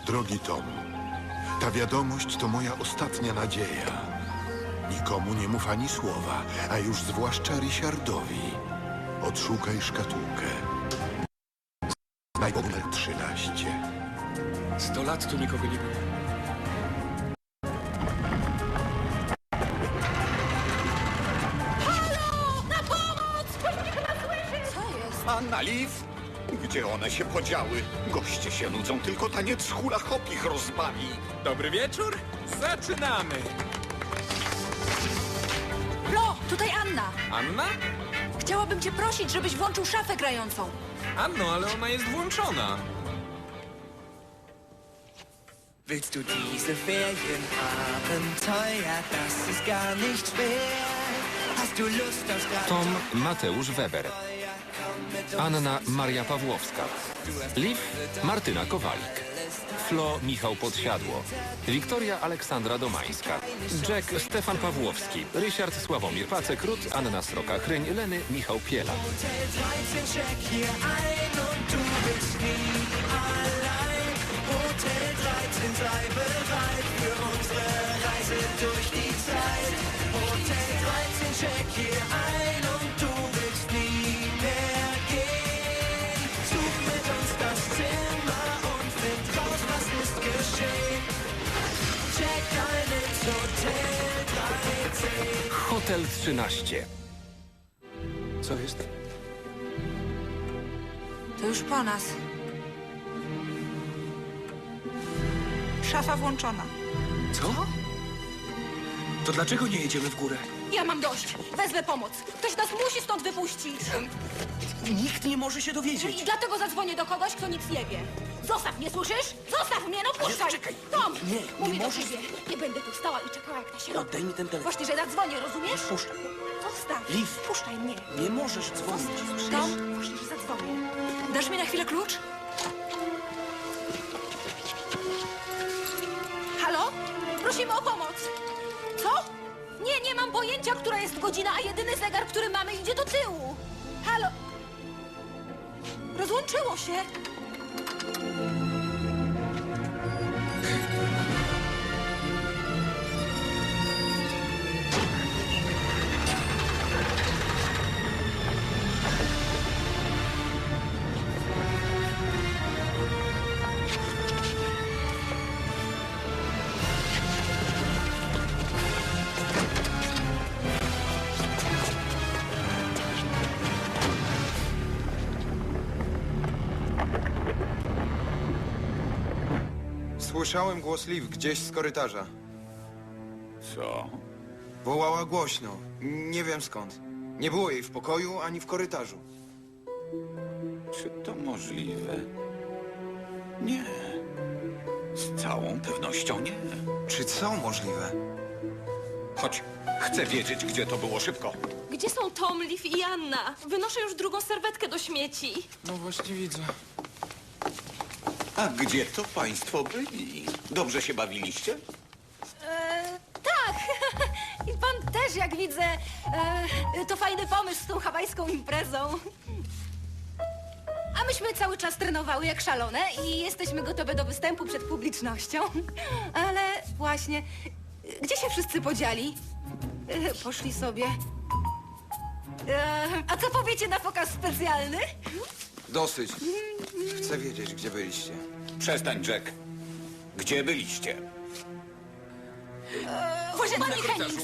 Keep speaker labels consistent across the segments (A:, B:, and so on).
A: Drogi Tom, ta wiadomość to moja ostatnia nadzieja. Nikomu nie mów ani słowa, a już zwłaszcza Richardowi. Odszukaj szkatułkę. Znajdź numer 13.
B: 100 lat tu nikogo nie było.
C: Halo! Na pomoc! Ktoś mnie chyba słyszy! Co jest?
D: Anna, Liv? Gdzie one się podziały? Goście się nudzą, tylko taniec hula hop ich rozbawi.
B: Dobry wieczór, zaczynamy.
C: Flo, tutaj Anna.
B: Anna?
C: Chciałabym cię prosić, żebyś włączył szafę grającą.
B: Anno, ale ona jest włączona.
E: Willst du diese Ferienabenteuer? Das ist gar nicht schwer. Hast du Lust auf Strand?
F: Tom Mateusz Weber. Anna Maria Pawłowska. Liv Martyna Kowalik. Flo Michał Podsiadło. Wiktoria Aleksandra Domańska. Jack Stefan Pawłowski. Ryszard Sławomir Pacek-Rut. Anna Sroka-Chryń. Leny Michał Piela.
E: Hotel 13, check hier ein und du bist nie allein. Hotel 13, sei bereit für unsere Reise durch die Zeit. Hotel 13, check hier ein und du willst nie mehr gehen. Such mit uns das Zimmer und find raus, was ist geschehen. Check ein ins Hotel 13.
F: Hotel 13.
B: Co jest?
C: To już po nas. Szafa włączona.
B: Co? To dlaczego nie jedziemy w górę?
C: Ja mam dość. Wezmę pomoc. Ktoś nas musi stąd wypuścić.
B: Nikt nie może się dowiedzieć.
C: I dlatego zadzwonię do kogoś, kto nic nie wie. Zostaw mnie, słyszysz? Zostaw mnie, no puszczaj!
B: czekaj.
C: Tom!
B: Nie,
C: Mówię
B: nie
C: do
B: możesz.
C: ciebie. Nie będę tu stała i czekała jak na środku.
B: Oddaj mi ten telefon.
C: Właśnie, że zadzwonię, rozumiesz?
B: Puszczaj.
C: Zostaw.
B: Liv.
C: Puszczaj mnie.
B: Nie możesz dzwonić.
C: Tom, właśnie, że zadzwonię. Dasz mi na chwilę klucz? Halo? Prosimy o pomoc. Co? Nie mam pojęcia, która jest godzina, a jedyny zegar, który mamy, idzie do tyłu. Halo? Rozłączyło się.
G: Słyszałem głos Liv gdzieś z korytarza.
D: Co?
G: Wołała głośno. Nie wiem skąd. Nie było jej w pokoju ani w korytarzu.
D: Czy to możliwe? Nie. Z całą pewnością nie.
G: Czy co możliwe?
D: Chodź, chcę wiedzieć, gdzie to było szybko.
H: Gdzie są Tom, Liv i Anna? Wynoszę już drugą serwetkę do śmieci.
G: No właśnie widzę.
D: A gdzie to państwo byli? Dobrze się bawiliście?
C: Tak. I pan też, jak widzę. To fajny pomysł z tą hawajską imprezą. A myśmy cały czas trenowały jak szalone i jesteśmy gotowe do występu przed publicznością. Ale właśnie, gdzie się wszyscy podzieli? Poszli sobie. A co powiecie na pokaz specjalny?
G: Dosyć. Chcę wiedzieć, gdzie byliście.
D: Przestań, Jack. Gdzie byliście?
C: Pani Hennings.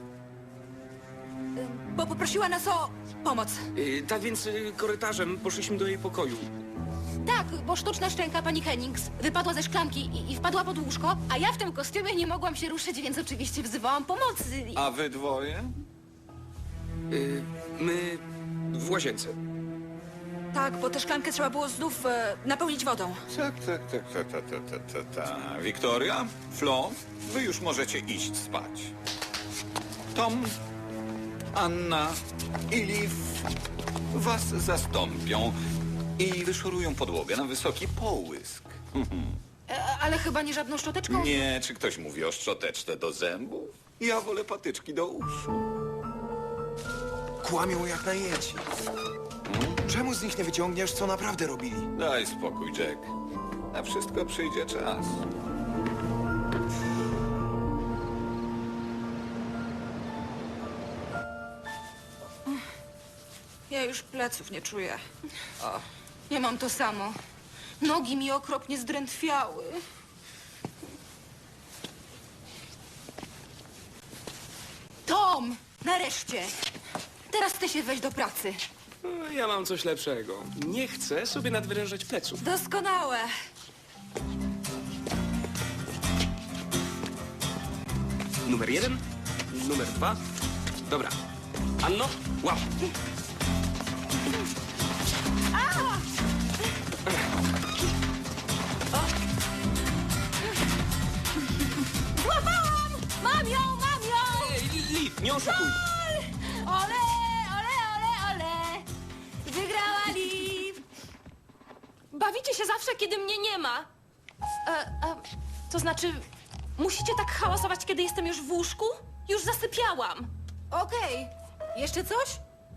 C: Bo poprosiła nas o pomoc.
B: Tak więc korytarzem poszliśmy do jej pokoju.
C: Tak, bo sztuczna szczęka pani Hennings wypadła ze szklanki i wpadła pod łóżko, a ja w tym kostiumie nie mogłam się ruszyć, więc oczywiście wzywałam pomocy.
D: A wy dwoje?
B: My w łazience.
C: Tak, bo tę szklankę trzeba było znów napełnić wodą.
D: Tak. Wiktoria, Flo, wy już możecie iść spać. Tom, Anna i Liv was zastąpią i wyszorują podłogę na wysoki połysk.
C: Ale chyba nie żadną szczoteczką?
D: Nie, czy ktoś mówi o szczoteczce do zębów? Ja wolę patyczki do uszu.
G: Kłamią jak najęci. Czemu z nich nie wyciągniesz, co naprawdę robili?
D: Daj spokój, Jack. Na wszystko przyjdzie czas.
I: Ja już pleców nie czuję.
C: Ja mam to samo. Nogi mi okropnie zdrętwiały. Tom! Nareszcie! Teraz ty się weź do pracy.
B: Ja mam coś lepszego. Nie chcę sobie nadwyrężać pleców.
I: Doskonałe.
B: Numer 1, numer 2. Dobra. Anno, łap.
C: Złapałam! Mam ją, mam ją!
B: Ej, Liv, nie oszukuj.
C: Ole, ole, ole, ole! Wygrała Liv!
H: Bawicie się zawsze, kiedy mnie nie ma. To znaczy, musicie tak hałasować, kiedy jestem już w łóżku? Już zasypiałam.
C: Okej. Jeszcze coś?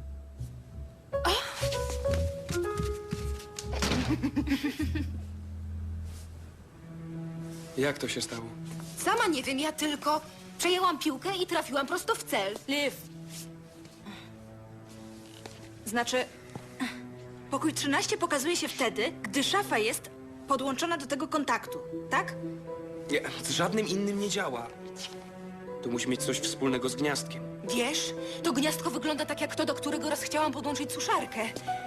B: Jak to się stało?
C: Sama nie wiem, ja tylko przejęłam piłkę i trafiłam prosto w cel.
I: Liv. Znaczy, pokój 13 pokazuje się wtedy, gdy szafa jest podłączona do tego kontaktu, tak?
B: Nie, z żadnym innym nie działa. To musi mieć coś wspólnego z gniazdkiem.
C: Wiesz, to gniazdko wygląda tak jak to, do którego raz chciałam podłączyć suszarkę.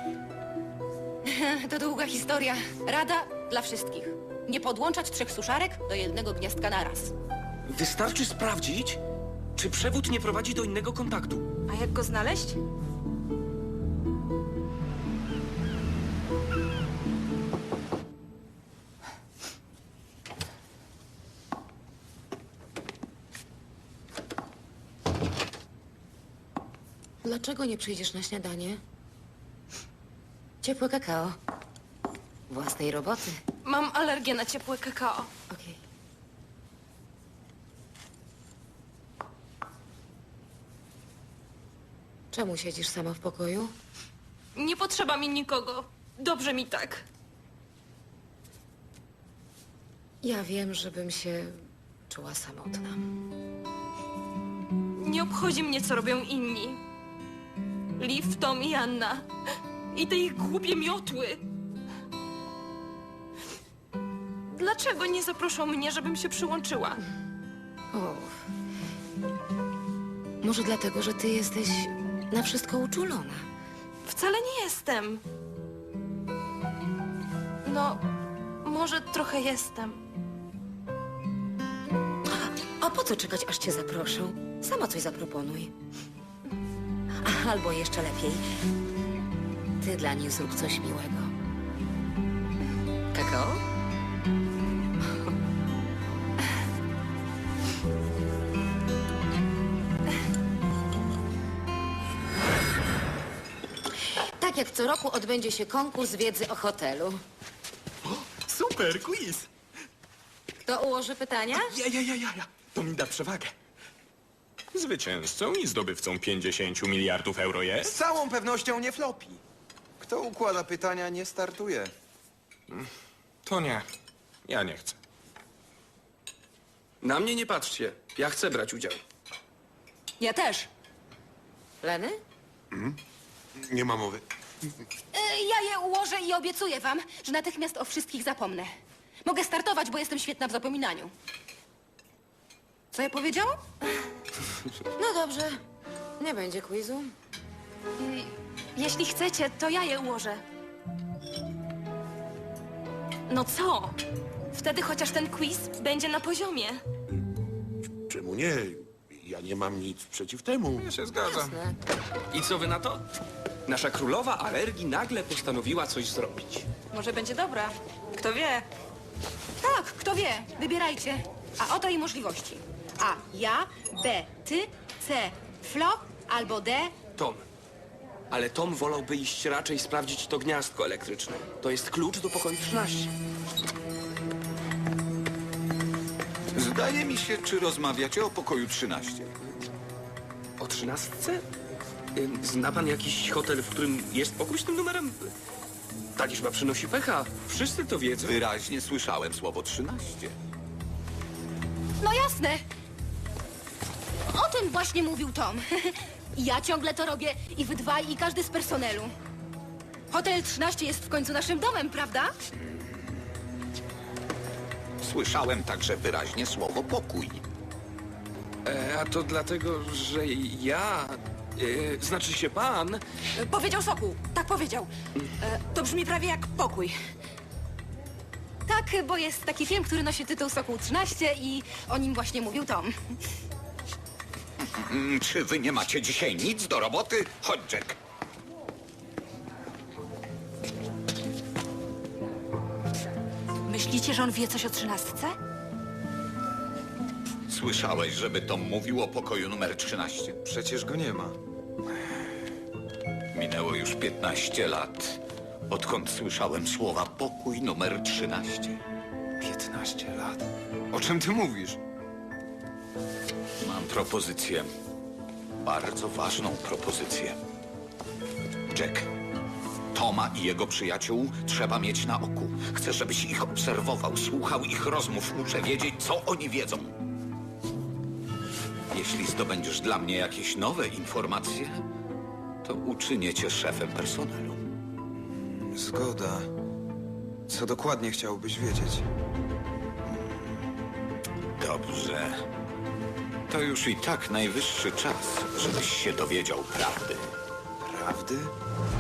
C: To długa historia. Rada dla wszystkich. Nie podłączać 3 suszarek do jednego gniazdka naraz.
B: Wystarczy sprawdzić, czy przewód nie prowadzi do innego kontaktu.
I: A jak go znaleźć?
C: Dlaczego nie przyjdziesz na śniadanie? Ciepłe kakao. Własnej roboty.
H: Mam alergię na ciepłe kakao.
C: Okej. Czemu siedzisz sama w pokoju?
H: Nie potrzeba mi nikogo. Dobrze mi tak.
C: Ja wiem, żebym się czuła samotna.
H: Nie obchodzi mnie, co robią inni. Liv, Tom i Anna. I te ich głupie miotły. Dlaczego nie zaproszą mnie, żebym się przyłączyła?
C: O. Może dlatego, że ty jesteś na wszystko uczulona.
H: Wcale nie jestem. No, może trochę jestem.
C: A po co czekać, aż cię zaproszą? Sama coś zaproponuj. Albo jeszcze lepiej, ty dla nich zrób coś miłego. Kakao? Tak jak co roku odbędzie się konkurs wiedzy o hotelu.
J: Super, quiz!
C: Kto ułoży pytania?
J: Ja. To mi da przewagę.
K: Zwycięzcą i zdobywcą 50 miliardów euro
G: Z
K: jest?
G: całą pewnością nie flopi. Kto układa pytania, nie startuje.
K: To nie. Ja nie chcę.
B: Na mnie nie patrzcie. Ja chcę brać udział.
C: Ja też. Leny?
A: Nie ma mowy.
C: Ja je ułożę i obiecuję wam, że natychmiast o wszystkich zapomnę. Mogę startować, bo jestem świetna w zapominaniu. Co ja powiedziałam? No dobrze. Nie będzie quizu.
H: Jeśli chcecie, to ja je ułożę. No co? Wtedy chociaż ten quiz będzie na poziomie.
J: Czemu nie? Ja nie mam nic przeciw temu.
K: Ja się zgadzam.
C: Jasne.
B: I co wy na to? Nasza królowa alergii nagle postanowiła coś zrobić.
I: Może będzie dobra. Kto wie?
C: Tak, kto wie. Wybierajcie. A oto i możliwości. A. Ja. B. Ty. C. Flo. Albo D.
B: Tom. Ale Tom wolałby iść raczej sprawdzić to gniazdko elektryczne. To jest klucz do pokoju 13.
D: Zdaje mi się, czy rozmawiacie o pokoju 13.
B: O 13? Zna pan jakiś hotel, w którym jest pokój z tym numerem? Ta liczba przynosi pecha. Wszyscy to wiedzą.
D: Wyraźnie słyszałem słowo 13.
C: No jasne. O tym właśnie mówił Tom. Ja ciągle to robię i wy dwaj, i każdy z personelu. Hotel 13 jest w końcu naszym domem, prawda?
D: Słyszałem także wyraźnie słowo pokój.
B: A to dlatego, że ja... znaczy się pan...
I: Powiedział Sokół. Tak powiedział. To brzmi prawie jak pokój.
C: Tak, bo jest taki film, który nosi tytuł Sokół 13 i o nim właśnie mówił Tom.
D: Czy wy nie macie dzisiaj nic do roboty? Chodź, Jack.
I: Myślicie, że on wie coś o 13?
D: Słyszałeś, żeby Tom mówił o pokoju numer 13?
G: Przecież go nie ma.
D: Minęło już 15 lat, odkąd słyszałem słowa pokój numer 13.
G: 15 lat. O czym ty mówisz?
D: Mam propozycję. Bardzo ważną propozycję. Jack, Toma i jego przyjaciół trzeba mieć na oku. Chcę, żebyś ich obserwował, słuchał ich rozmów. Muszę wiedzieć, co oni wiedzą. Jeśli zdobędziesz dla mnie jakieś nowe informacje, to uczynię cię szefem personelu.
G: Zgoda. Co dokładnie chciałbyś wiedzieć?
D: Dobrze. To już i tak najwyższy czas, żebyś się dowiedział prawdy.
G: Prawdy?